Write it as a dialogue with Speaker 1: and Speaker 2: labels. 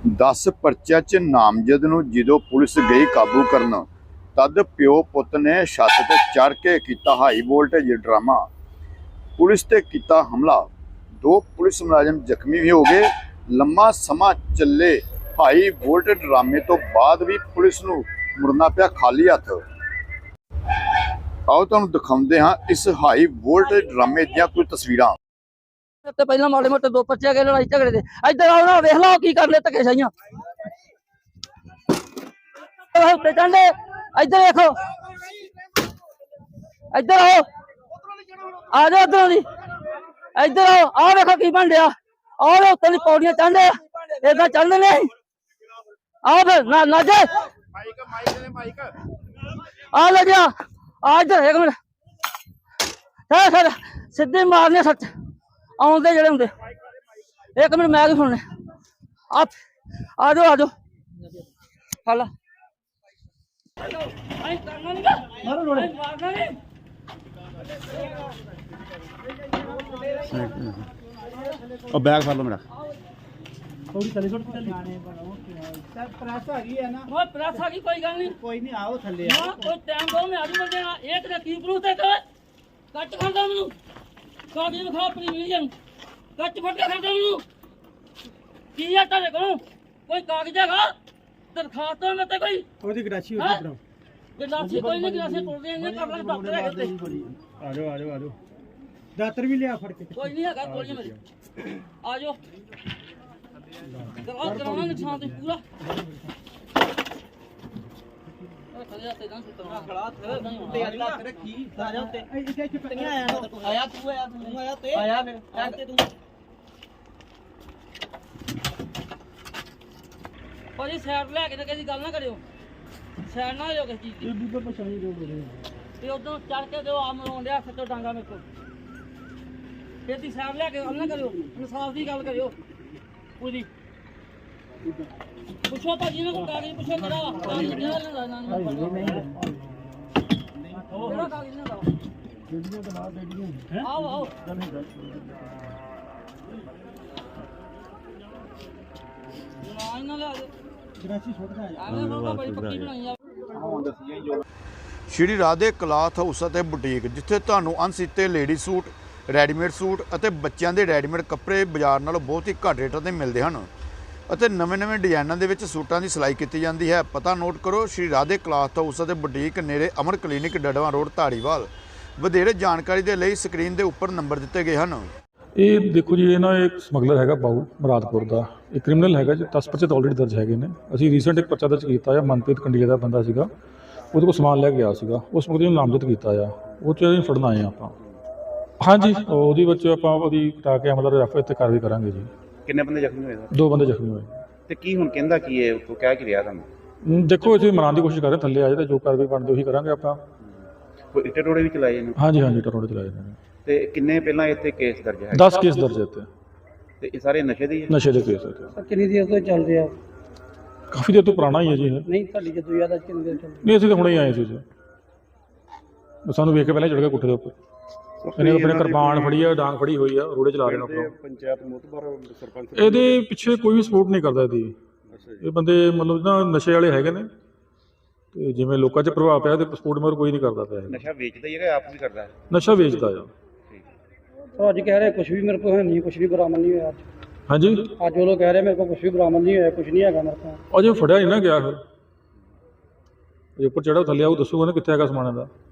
Speaker 1: 10 ਪਰਚਿਆਂ 'ਚ ਨਾਮਜ਼ਦ ਨੂੰ ਜਦੋਂ ਪੁਲਿਸ ਗਈ ਕਾਬੂ ਕਰਨ ਤਦ ਪਿਓ ਪੁੱਤ ਨੇ ਛੱਤ ਤੇ ਚੜ੍ਹ ਕੇ ਕੀਤਾ ਹਾਈ ਵੋਲਟੇਜ ਡਰਾਮਾ। ਪੁਲਿਸ ਤੇ ਕੀਤਾ ਹਮਲਾ। 2 ਪੁਲਿਸ ਮੁਲਾਜ਼ਮ ਜ਼ਖਮੀ ਵੀ ਹੋ ਗਏ। ਲੰਮਾ ਸਮਾਂ ਚੱਲੇ ਹਾਈ ਵੋਲਟੇਜ ਡਰਾਮੇ ਤੋਂ ਬਾਅਦ ਵੀ ਪੁਲਿਸ ਨੂੰ ਮੁੜਨਾ ਪਿਆ ਖਾਲੀ ਹੱਥ। ਆਓ ਤੁਹਾਨੂੰ ਦਿਖਾਉਂਦੇ ਹਾਂ ਇਸ ਹਾਈ ਵੋਲਟੇਜ ਡਰਾਮੇ ਦੀਆਂ ਕੁਝ ਤਸਵੀਰਾਂ।
Speaker 2: ਤੇ ਪਹਿਲਾਂ ਮਾੜੇ ਮੋਟੇ 2 ਪਰਚੇ ਆ ਗਏ ਲੜਾਈ ਝਗੜੇ ਦੇ। ਇੱਧਰ ਆਓ ਨਾ, ਵੇਖ ਲਓ ਕੀ ਕਰਨੇ ਧੱਕੇ ਸਾਈਆਂ ਉੱਤੇ ਚੰਡੇ। ਇੱਧਰ ਵੇਖੋ, ਇੱਧਰ ਆਓ, ਆ ਜਾਓ ਇੱਧਰੋਂ ਦੀ, ਇੱਧਰ ਆਓ। ਆਹ ਵੇਖੋ ਕੀ ਬਣ ਡਿਆ। ਆਹ ਉੱਤੇ ਦੀ ਪੌੜੀਆਂ ਚੜ੍ਹਦੇ ਏਦਾਂ ਚੜ੍ਹਦੇ ਨੇ। ਆਓ ਫਿਰ ਨਾ ਜੇ ਆ ਲੈ ਜਾ, ਆ ਇੱਧਰ ਇੱਕ ਮਿੰਟ ਸਰ ਸਿੱਧੇ ਮਾਰਨੇ ਸੱਚ ਆਉਂਦੇ ਜਿਹੜੇ ਹੁੰਦੇ। ਇੱਕ ਮਿੰਟ ਮੈਂ ਵੀ ਸੁਣਨੇ। ਆ ਜਾਓ ਫੜ
Speaker 3: बैग फड़ लो मेरा।
Speaker 2: ਥੋੜੀ ਥੱਲੇ ਛੋੜ ਕੇ ਜਾਣੇ ਬਣਾਓ ਸਰ। ਪ੍ਰੈਸ ਆ ਗਈ ਹੈ ਨਾ। ਉਹ ਪ੍ਰੈਸ ਆ ਗਈ, ਕੋਈ ਗੱਲ ਨਹੀਂ, ਕੋਈ ਨਹੀਂ, ਆਓ ਥੱਲੇ ਆਓ। ਕੋਈ ਟਾਈਮ ਦੋ, ਮੈਂ ਆਜੂ ਬੰਦੇ ਨਾਲ। ਇੱਕ ਦਾ ਕੀ ਪ੍ਰੂਫ ਤੇ ਕੱਟ ਖਾਂਦਾ ਮੈਨੂੰ ਕਾਗਜ਼ ਵਿਖਾ ਆਪਣੀ ਵੀਜ਼ਨ ਕੱਟ ਫੜ ਕੇ ਖਾਂਦਾ ਮੈਨੂੰ। ਕੀ ਆ ਤੁਹਾਡੇ ਕੋਲ ਕੋਈ ਕਾਗਜ਼ ਹੈਗਾ? ਦਰਖਾਸਤ ਮੈਂ ਤੇ ਕੋਈ
Speaker 3: ਉਹਦੀ ਗਰਾਸ਼ੀ ਉੱਤੇ ਬਣਾਓ।
Speaker 2: ਗਲਾਸੀ ਕੋਈ ਨਹੀਂ, ਗਲਾਸੀ ਟੁੱਟਦੇ ਨੇ ਕਰ ਲਾਂਗੇ। ਡਾਕਟਰ ਹੈਗੇ ਤੇ
Speaker 3: ਆ ਜਾਓ ਦਾਤਰ ਵੀ ਲਿਆ ਫੜ ਕੇ।
Speaker 2: ਕੋਈ ਨਹੀਂ ਹੈਗਾ, ਕੋਈ ਨਹੀਂ ਮੇਰੇ। ਆ ਜਾਓ ਕਰਾਉਣਾ ਨੁਕਸਾਨ ਤੇ ਪੂਰਾ। ਖਲਿਆ ਤੇ ਨਾ ਸੁੱਟਣਾ ਖੜਾ ਤੇ ਅੱਲਾ ਤੇ ਰੱਖੀ ਆ ਜਾ ਉੱਤੇ। ਇੱਥੇ ਚੁੱਪੀਆਂ ਆਇਆ ਤੂੰ ਆਇਆ ਤੇ ਆਇਆ ਫਿਰ ਤੇ ਤੂੰ ਭਾਜੀ ਸਾਈਡ ਲੈ ਕੇ ਤੇ ਕਿਸੇ ਗੱਲ ਨਾ ਕਰਿਓ। ਸਾਈਡ ਨਾ ਹੋ ਕਿਸੇ ਚੀਜ਼ ਦੀ। ਇਹ ਵੀ ਪਛਾਣੀ ਰੋਡ ਦੇ ਤੇ ਉਦੋਂ ਚੜ ਕੇ ਦਿਓ ਆਮ ਲਾਉਣ ਡਿਆ ਸੱਚੋ ਡਾਂਗਾ ਮੇਰੇ ਕੋਲ। ਇਹਦੀ ਸਾਈਡ ਲੈ ਕੇ ਗੱਲ ਨਾ ਕਰਿਓ, ਇਨਸਾਫ ਦੀ ਗੱਲ ਕਰਿਓ ਪੂਰੀ। ਪੁੱਛੋ ਭਾਜੀ ਨੇ ਕੋਈ ਕਾਗਜ਼ ਪੁੱਛੋ ਮੇਰਾ ਕਾਗਜ਼ ਕਿਹੜਾ ਲੈਣਾ ਨਾ ਕਿਹੜਾ ਕਾਗਜ਼ ਲੈਣਾ ਬੇੜੀਆਂ ਦਾ ਬੇੜੀਆਂ। ਆਓ ਨਾ ਇਹਨਾਂ ਲੈ ਆਜੋ ਗਰਾਚੀ ਛੋਟਦਾ ਹੈ। ਆਵੇਂ ਬਾਬਾ ਬੜੀ ਪੱਕੀ ਬਣਾਈ ਆ।
Speaker 1: ਹੁਣ ਦੱਸੀਆਂ ਜੋ ਸ਼੍ਰੀ ਰਾਧੇ ਕਲਾਥ ਹਾਊਸ ਅਤੇ ਬੁਟੀਕ, ਜਿੱਥੇ ਤੁਹਾਨੂੰ ਅਣਸੀਤੇ ਲੇਡੀ ਸੂਟ, ਰੈਡੀਮੇਡ ਸੂਟ ਅਤੇ ਬੱਚਿਆਂ ਦੇ ਰੈਡੀਮੇਡ ਕੱਪੜੇ ਬਾਜ਼ਾਰ ਨਾਲੋਂ ਬਹੁਤ ਹੀ ਘੱਟ ਰੇਟਾਂ 'ਤੇ ਮਿਲਦੇ ਹਨ ਅਤੇ ਨਵੇਂ ਡਿਜ਼ਾਈਨਾਂ ਦੇ ਵਿੱਚ ਸੂਟਾਂ ਦੀ ਸਿਲਾਈ ਕੀਤੀ ਜਾਂਦੀ ਹੈ। ਪਤਾ ਨੋਟ ਕਰੋ, ਸ਼੍ਰੀ ਰਾਧੇ ਕਲਾਥ ਹਾਊਸ ਅਤੇ ਬੁਟੀਕ, ਨੇੜੇ ਅਮਰ ਕਲੀਨਿਕ, ਡੜਵਾ ਰੋਡ, ਧਾਰੀਵਾਲ। ਵਧੇਰੇ ਜਾਣਕਾਰੀ ਦੇ ਲਈ ਸਕਰੀਨ ਦੇ ਉੱਪਰ ਨੰਬਰ ਦਿੱਤੇ ਗਏ ਹਨ।
Speaker 4: ਇਹ ਦੇਖੋ ਜੀ, ਇਹ ਨਾ ਇੱਕ ਸਮਗਲਰ ਹੈਗਾ ਬਾਊ ਮੁਰਾਦਪੁਰ ਦਾ। ਇਹ ਕ੍ਰਿਮੀਨਲ ਹੈਗਾ ਜੀ। 10 ਪਰਚੇ ਤਾਂ ਆਲਰੇਡੀ ਦਰਜ ਹੈਗੇ ਨੇ। ਅਸੀਂ ਰੀਸੈਂਟ ਇੱਕ ਪਰਚਾ ਦਰਜ ਕੀਤਾ ਆ। ਮਨਪ੍ਰੀਤ ਕੰਡੀਲੇ ਦਾ ਬੰਦਾ ਸੀਗਾ, ਉਹਦੇ ਕੋਲ ਸਮਾਨ ਲੈ ਕੇ ਗਿਆ ਸੀਗਾ। ਉਸ ਮੁਕਦੇ ਨੂੰ ਨਾਮਜ਼ਦ ਕੀਤਾ ਆ। ਉਹ 'ਚ ਅਸੀਂ ਫੜਨ ਆਏ ਆਪਾਂ। ਹਾਂਜੀ, ਉਹਦੇ ਵਿੱਚ ਆਪਾਂ ਉਹਦੀ ਕਟਾ ਕੇ ਮਤਲਬ ਰੈਫਰ ਤੇ ਕਾਰਵਾਈ ਕਰਾਂਗੇ ਜੀ।
Speaker 3: ਕਿੰਨੇ ਬੰਦੇ ਜ਼ਖਮੀ ਹੋਏ?
Speaker 4: 2 ਬੰਦੇ ਜ਼ਖਮੀ ਹੋਏ।
Speaker 3: ਤੇ ਕੀ ਹੁਣ ਕਹਿੰਦਾ ਕੀ ਹੈ ਉਹ ਕਹਿ ਕੀ ਰਿਹਾ ਤੁਹਾਨੂੰ?
Speaker 4: ਦੇਖੋ ਅਸੀਂ ਮਨਾਉਣ ਦੀ ਕੋਸ਼ਿਸ਼ ਕਰ ਰਹੇ, ਥੱਲੇ ਆ ਜਾਏ ਤਾਂ ਜੋ ਕਾਰਵਾਈ ਬਣਦੀ ਉਹੀ ਕਰਾਂਗੇ ਆਪਾਂ।
Speaker 3: ਕੋਈ ਇੱਟੇ ਟੋੜੇ ਵੀ ਚਲਾਏ ਨੇ?
Speaker 4: ਹਾਂਜੀ ਟਰੋੜੇ ਚਲਾਏ ਨੇ।
Speaker 3: ਤੇ ਕਿੰਨੇ ਪਹਿਲਾਂ ਇੱਥੇ ਕੇਸ ਦਰਜ ਹੈ?
Speaker 4: 10 ਕੇਸ ਦਰਜ ਇੱਥੇ।
Speaker 3: ਤੇ ਇਹ ਸਾਰੇ ਨਸ਼ੇ ਦੇ ਹੀ ਹੈ?
Speaker 4: ਨਸ਼ੇ ਦੇ ਕੇਸ ਇੱਥੇ।
Speaker 2: ਕਿੰਨੀ ਦੇਰ ਤੋਂ ਚੱਲ ਰਿਹਾ?
Speaker 4: ਕਾਫੀ ਦੇਰ ਤੋਂ ਪੁਰਾਣਾ ਹੀ ਹੈ ਜੀ ਇਹ।
Speaker 2: ਨਹੀਂ ਤੁਹਾਡੀ ਜਦੋਂ ਜ਼ਿਆਦਾ ਕਿੰਨੀ ਦੇਰ ਚੱਲ
Speaker 4: ਨਹੀਂ, ਅਸੀਂ ਤਾਂ ਹੁਣੇ ਹੀ ਆਏ ਸੀ ਜੀ। ਸਾਨੂੰ ਵੇਖ ਕੇ ਪਹਿਲਾਂ ਚੜ੍ਹ ਗਿਆ ਕੋਠੇ ਦੇ ਉੱਪਰ। ਇਹਨੇ ਆਪਣੇ ਕਿਰਪਾਨ ਫੜੀ ਆ, ਡਾਂਗ ਫੜੀ ਹੋਈ ਆ, ਰੋੜੇ ਚਲਾ ਰਹੇ ਨੇ।
Speaker 3: ਪੰਚਾਇਤ ਮੋਤਬਰ ਸਰਪੰਚ
Speaker 4: ਇਹਦੇ ਪਿੱਛੇ ਕੋਈ ਵੀ ਸਪੋਰਟ ਨਹੀਂ ਕਰਦਾ ਇਹਦੀ। ਇਹ ਬੰਦੇ ਮਤਲਬ ਨਾ ਨਸ਼ੇ ਵਾਲੇ ਹੈਗੇ ਨੇ ਤੇ ਜਿਵੇਂ ਲੋਕਾਂ 'ਚ ਪ੍ਰਭਾਵ ਪਿਆ ਤੇ ਸਪੋਰਟ ਮਗਰ ਕੋਈ ਨਹੀਂ ਕਰਦਾ ਪਿਆ।
Speaker 3: ਨਸ਼ਾ ਵੇਚਦਾ ਹੀ ਹੈਗਾ, ਆਪ ਵੀ ਕਰਦਾ ਹੈ?
Speaker 4: ਨਸ਼ਾ ਵੇਚਦਾ ਆ।
Speaker 2: ਅੱਜ ਕਹਿ ਰਹੇ ਕੁਝ ਵੀ ਮੇਰੇ ਕੋਲ ਹੈ ਨਹੀਂ, ਕੁਝ ਵੀ ਬਰਾਮਦ ਨਹੀਂ ਹੋਇਆ।
Speaker 4: ਹਾਂਜੀ,
Speaker 2: ਅੱਜ ਉਹ ਲੋਕ ਕਹਿ ਰਹੇ ਮੇਰੇ ਕੋਲ ਕੁਝ ਵੀ ਬਰਾਮਦ ਨਹੀਂ ਹੋਇਆ, ਕੁਝ ਨਹੀਂ ਹੈਗਾ ਮੇਰੇ ਕੋਲ।
Speaker 4: ਅਜੇ ਫੜਿਆ ਨਹੀਂ ਨਾ ਗਿਆ। ਫਿਰ ਜੇ ਉੱਪਰ ਚੜ੍ਹਾ ਥੱਲੇ ਆਊ ਦੱਸੂਗਾ ਨਾ ਕਿੱਥੇ ਹੈਗਾ ਸਮਾਨ ਦਾ।